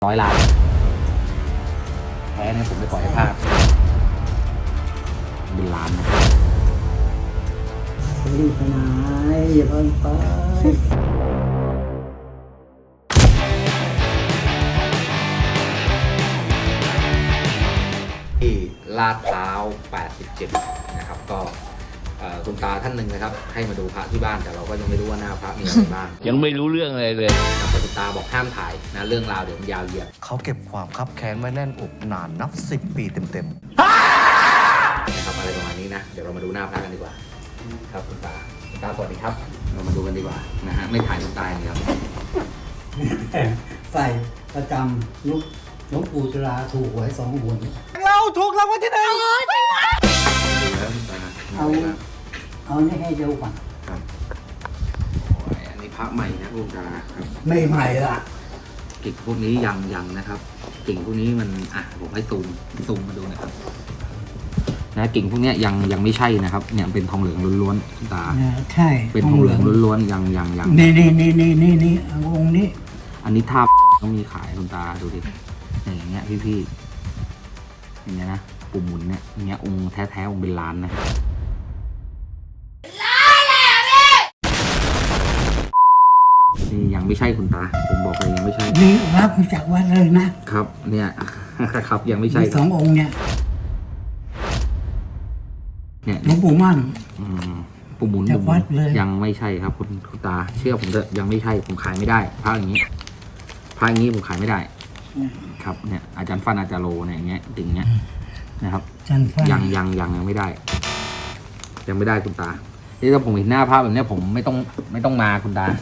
100 ล้านแพ้เนี่ยผมไม่ปล่อยให้พลาดเป็นล้านนะรีบไปไหนอย่าเพิ่งไปที่ลาดพร้าว 87 นะครับก็คุณตาท่านหนึ่งนะครับให้มาดูพระที่บ้านแต่เราก็ยังไม่รู้ว่าหน้าพระมีอะไรบ้างยังไม่รู้เรื่องอะไรเลยครับคุณตาบอกห้ามถ่ายนะเรื่องราวเดี๋ยวมันยาวเหยียดเขาเก็บความคับแค้นไว้แน่นอกนานนับ10 ปีเต็มนะครับอะไรประมาณนี้นะเดี๋ยวเรามาดูหน้าพระกันดีกว่าครับคุณตาสวัสดีครับเรามาดูกันดีกว่านะฮะไม่ถ่ายคุณตาอย่างเดียวใส่ประจำลูกหลวงปู่จุฬาถูกหวย2 หนเราถูกรางวัลที่ 1 ดูแล้วคุณตาเอานี่ให้ดูก่อนครับอันนี้พระใหม่นะคุณตาครับไม่ใหม่ละกิ่งพวกนี้ยังนะครับกิ่งพวกนี้มันผมให้ซูมมาดูนะครับนะกิ่งพวกนี้ยังไม่ใช่นะครับเนี่ยเป็นทองเหลืองล้วนๆคุณตาใช่เป็นทองเหลืองล้วนๆยังนี่องค์นี้อันนี้ท่าต้องมีขายคุณตาดูดิอย่างเงี้ยพี่อย่างเงี้ยนะปุ่มหมุนเนี่ยอย่างเงี้ยองค์แท้องค์เป็นล้านนะนี่ยังไม่ใช่คุณตาผมบอกเลยยังไม่ใช่นี่รับมาจากวัดเลยนะครับเนี่ย ครับยังไม่ใช่ 2 องค์เนี่ยหลวงปู่มั่นปุ่มหมุนจากวัดเลยยังไม่ใช่ครับคุณตาเชื่อผมเถอะยังไม่ใช่ผมขายไม่ได้พระอย่างนี้ผมขายไม่ได้ครับเนี่ยอาจารย์ฟันอาจารย์โลเนี่ยอย่างเงี้ยติ่งเงี้ยนะครับยังไม่ได้ยังไม่ได้คุณตาที่ถ้าผมเห็นหน้าภาพแบบนี้ผมไม่ต้องมาคุณตา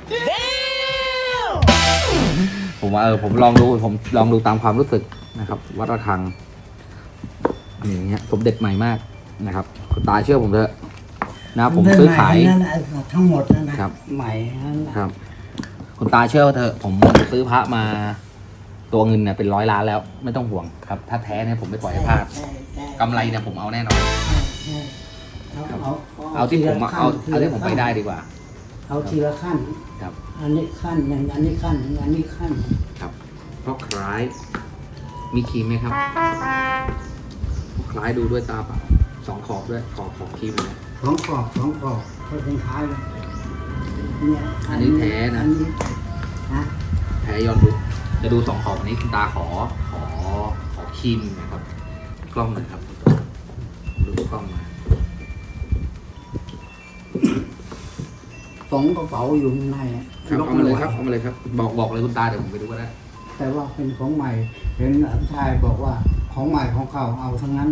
ผมว่าผมลองดูตามความรู้สึกนะครับวัดระฆังอย่างเงี้ยสมเด็จใหม่มากนะครับคุณตาเชื่อผมเถอะนะผมซื้อขายทั้งหมดนะครับใหม่ครับคุณตาเชื่อเถอะผมซื้อพระมาตัวเงินเนี่ยเป็น100 ล้านแล้วไม่ต้องห่วงครับถ้าแท้เนี่ยผมไม่ปล่อยให้พลาดกำไรเนี่ยผมเอาแน่นอนเอาที่ผมเอาที่ผมไปได้ดีกว่าเอาทีละขั้นครับอันนี้ขั้นหนึ่งอันนี้ขั้นหนึ่งอันนี้ขั้นครับเพราะคล้ายมีครีมไหมครับคล้ายดูด้วยตาเปล่า2 ขอบด้วยขอบครีมเลย 2 ขอบเขาเป็นคล้ายเลยเนี่ยอันนี้แท้นะแท้ย้อนดูจะดู2 ขอบอันนี้คุณตาขอครีมนะครับกล้องหน่อยครับดูกล้องมา 2 กระเป๋าอยู่ข้างในเอามาเลยครับบอกเลยคุณตาเดี๋ยวผมไปดูก็ได้แต่ว่าเป็นของใหม่เห็นหลานชายบอกว่าของใหม่ของเก่าเอาทั้งนั้น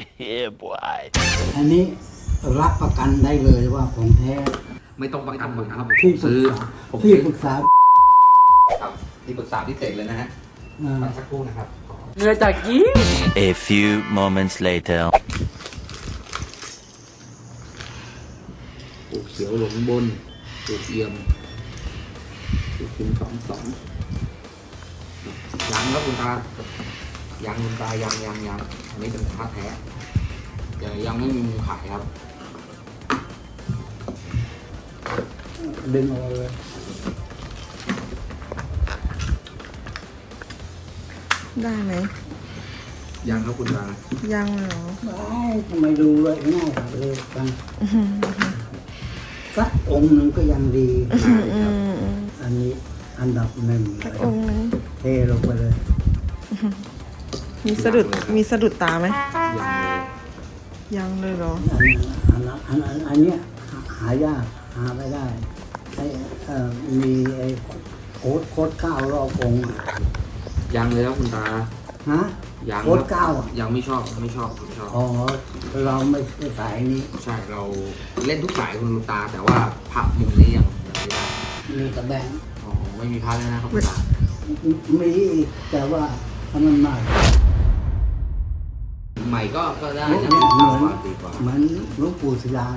อันนี้รับประกันได้เลยว่าของแท้ไม่ต้องประกันผมนะครับที่ปรึกษาครับที่ปรึกษาพิเศษเลยนะฮะสักครู่นะครับเงือจากกี้ A few moments later ปูเขียวหลงบนปูเอี่ยมปูคุ้ม2ยังแล้วคุณตายังคุณตายังอันนี้เป็นพระแท้ยังไม่มีมุมขายครับดึงออกเลยได้ไหมยังครับคุณตายังเหรอทำไมดูเลยง่ายเลยกันสักองค์หนึ่งก็ยังดีอันนี้อันดับ1เลยเทลงไปเลยมีสะดุดตาไหมยังเลยเหรออันเนี้ยหายากหาไม่ได้มีไอ้โค้ด9 รอบองค์ยังเลยครับคุณตาโค้ด9 ยังไม่ชอบอ๋อเราไม่สายนี้ใช่เราเล่นทุกสายคุณตาแต่ว่าพระมุมนี้ยังไม่ได้มีตะแบงไม่มีพระแล้วนะครับคุณตามีอีกแต่ว่าทำมันใหม่ก็ได้นะเหมือนหลวงปู่ศิลา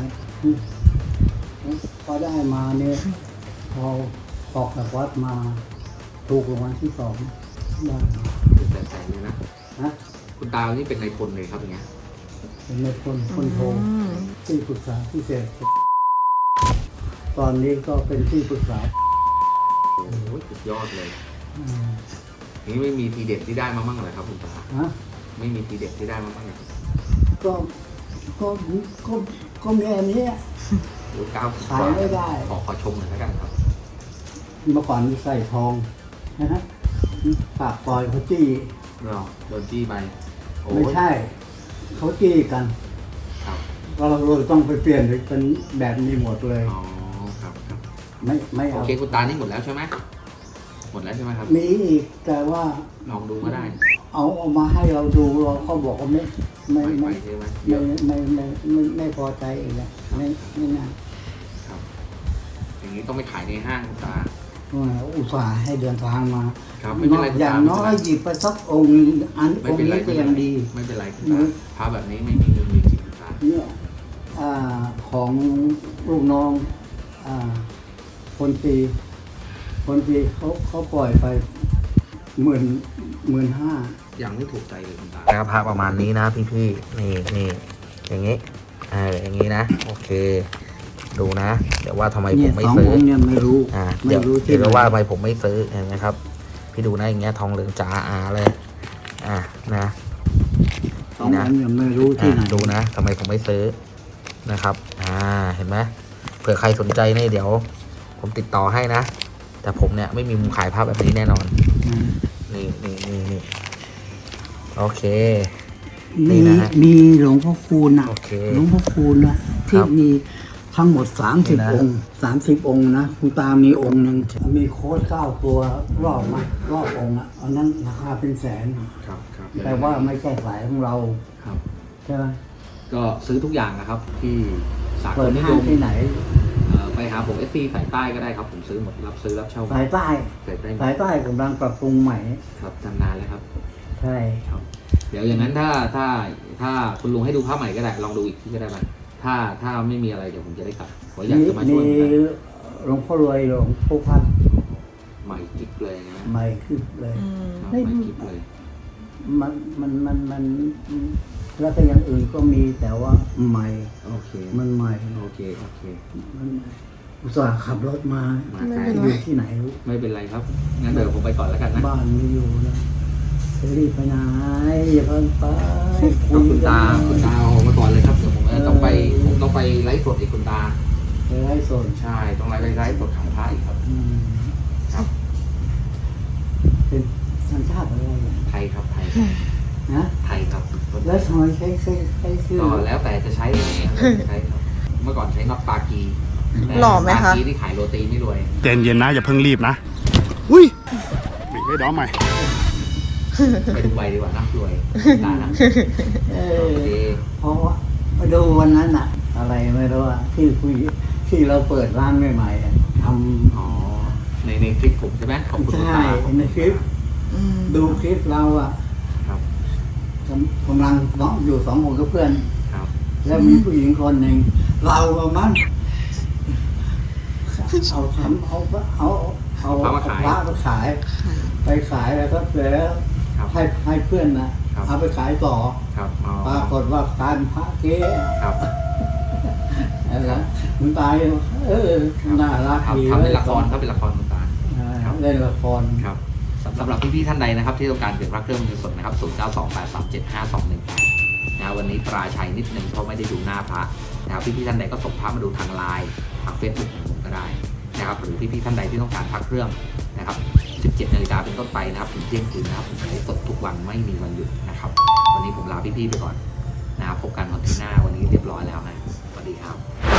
พอได้มาเนี่ยพอออกจากวัดมาถูกรางวัลที่ 2ได้แสนเลยนะคุณตานี่เป็นนายพลเลยครับอย่างเงี้ยเป็นนายพลโทที่ปรึกษาพิเศษตอนนี้ก็เป็นที่ปรึกษาโอ้โหสุดยอดเลยนี่ไม่มีทีเด็ดที่ได้มาบ้างเลยครับคุณตาฮะไม่มีทีเด็ดที่ได้มาบ้างเลยก็ก็ก็มีอันนี้หรือก้าวขายไม่ได้ขอชมหน่อยแล้วกันครับเมื่อก่อนใส่ทองนะฮะปากปล่อยเขาจี้เราโดนจี้ไปโอ้ไม่ใช่เขาจี้กันครับเราต้องไปเปลี่ยนเป็นแบบนี้หมดเลยอ๋อครับครับไม่โอเอาเคคุณตานี่หมดแล้วใช่ไหมหมดแล้วใช่ไหมครับมีอีกแต่ว่าลองดูก็ได้เอามาให้เราดูเราก็บอกว่าไม่ไปไม่ใช่ไหมไม่พอใจอีกแล้วไม่น่าครับ อย่างนี้ต้องไปขายในห้างคุณตาอุตส่าห์ให้เดินทางมาครับไม่เป็นไรคุณอย่าตางน้อยหยิบไปสักองค์อันไม่องเป็นค์ไรนี้ก็ยังดีไม่เป็นไรคุณตาพระแบบนี้ไม่มีเงินมีจริงคุณตาเนี่ยของลูกน้องคนตีเขาปล่อยไป15,000 ยังไม่ถูกใจเลยคุณตานะครับพระประมาณนี้นะพี่ๆนี่อย่างนี้อย่างนี้นะโอเค ดูนะ เดี๋ยวว่าทำไมผมไม่สองซื้อองค์เนี่ยไม่รู้เดี๋ยวที่เดี๋ยวว่าทำไมผมไม่ซื้อเห็นไหมครับ พี่ดูนะอย่างเงี้ยทองเหลืองจ๋าเลยนะสององค์เนี่ยไม่รู้ที่ไหนดูนะทำไมผมไม่ซื้อนะครับเห็นไหมเผื่อใครสนใจเนี่ยเดี๋ยว ผมติดต่อให้นะ แต่ผมเนี่ยไม่มีมุมขายภาพแบบนี้แน่นอน นี่โอเค นี่นะฮะมีหลวงพ่อคูณนะโอเคหลวงพ่อคูณนะที่ครับมีทั้งหมดนี่นะ 30 องค์ 30 องค์นะคุณตามีองค์หนึ่งมีโค้ด9 ตัวรอบองค์อ่ะอันนั้นราคาเป็นแสนครับแต่ว่าไม่ใช่สายของเราครับใช่ไหมก็ซื้อทุกอย่างนะครับ ที่สากเปิลดนิห้าย งมที่ไหนไปหาผมFC สายใต้ก็ได้ครับผมซื้อหมดรับซื้อรับเช่าสายใต้สายใต้สายใต้กำลังปรับปรุงใหม่ครับทำนานแล้วครับใช่ครับ เดี๋ยวอย่างนั้นถ้าคุณลุงให้ดูภาพใหม่ก็ได้ลองดูอีกที่ก็ได้ไหมถ้าไม่มีอะไรเดี๋ยวผมจะได้กลับผมอยากจะมาช่วยเหมือนกันหลวงพ่อรวยหลวงพ่อพัดใหม่กิ๊บเลยนะใหม่ขึ้นเลยครับไม่ใหม่กิ๊บเลยมันแล้วก็อย่างอื่นก็มีแต่ว่าใหม่โอเคมันใหม่โอเคมันใหม่อุตส่าห์ขับรถมามาไม่ไกลเป็นอไรยู่ที่ไหนไม่เป็นไรครับงั้นเดี๋ยวผมไปก่อนแล้วกันนะบ้านไม่อยู่นะจะรีบไปไหนอย่าเพิ่งไปครับคุณตากันคุณตาออกมาก่อนเลยครับเดี๋ยวผมต้องไปไลฟ์สดอีกคุณตาไปไล่สนใช่ต้องไลฟ์สดของพระอีกครับ ครับเป็นสัญชาติอะไรเนี่ยไทยครับไทยนะไทยครับแล้วทำไมใช้ชื่อก็แล้วแต่จะใช้ยังไงใช้ครับเมื่อก่อนใช้น็อตปากีแต่หล่อไหมคะปากีที่ขายโรตีไม่รวยเย็นๆนะ อย่าเพิ่งรีบนะ อุ้ยไม่ด้อมใหม่ไปดูใบดีกว่านะรวยตานะเอโออเคเพราะว่าไปดูวันนั้นอะอะไรไม่รู้อะที่เราเปิดร้านใหม่ๆอะทอ๋อในคลิปผมใช่ไหมขอบำคุณคุณใช่ตาในคลิป ดูคลิปเราอะครับกำลังอยู่2 คนกับเพื่อนครับแล้วมีผู้หญิงคนหนึ่งเราเอามันเอาพระมาขายไปขายแล้วก็เสร็จแล้วครับให้เพื่อนนะครับ เอาไปขายต่อครับอ๋อปรากฏว่าการพระเก๊ครับอะไรคุณตายน่ารักดีทำเป็นละครครับเป็นละครคุณตาเล่นละครครับสำหรับพี่ๆท่านใดนะครับที่ต้องการเปลี่ยนพระเครื่องมือสดนะครับ0928375218นะวันนี้ปราชัยนิดนึงเพราะไม่ได้ดูหน้าพระนะครับพี่ๆท่านใดก็ส่งพระมาดูทางไลน์ทางเฟซบุ๊กของผมก็ได้นะครับหรือพี่ๆท่านใดที่ต้องการพระเครื่องนะครับ17 นาฬิกาเป็นต้นไปนะครับถึงเที่ยงคืนนะครับผมไลฟ์สดทุกวันไม่มีวันหยุดนะครับวันนี้ผมลาพี่ๆไปก่อนนะครับพบกันวันที่หน้าวันนี้เรียบร้อยแล้วนะสวัสดีครับ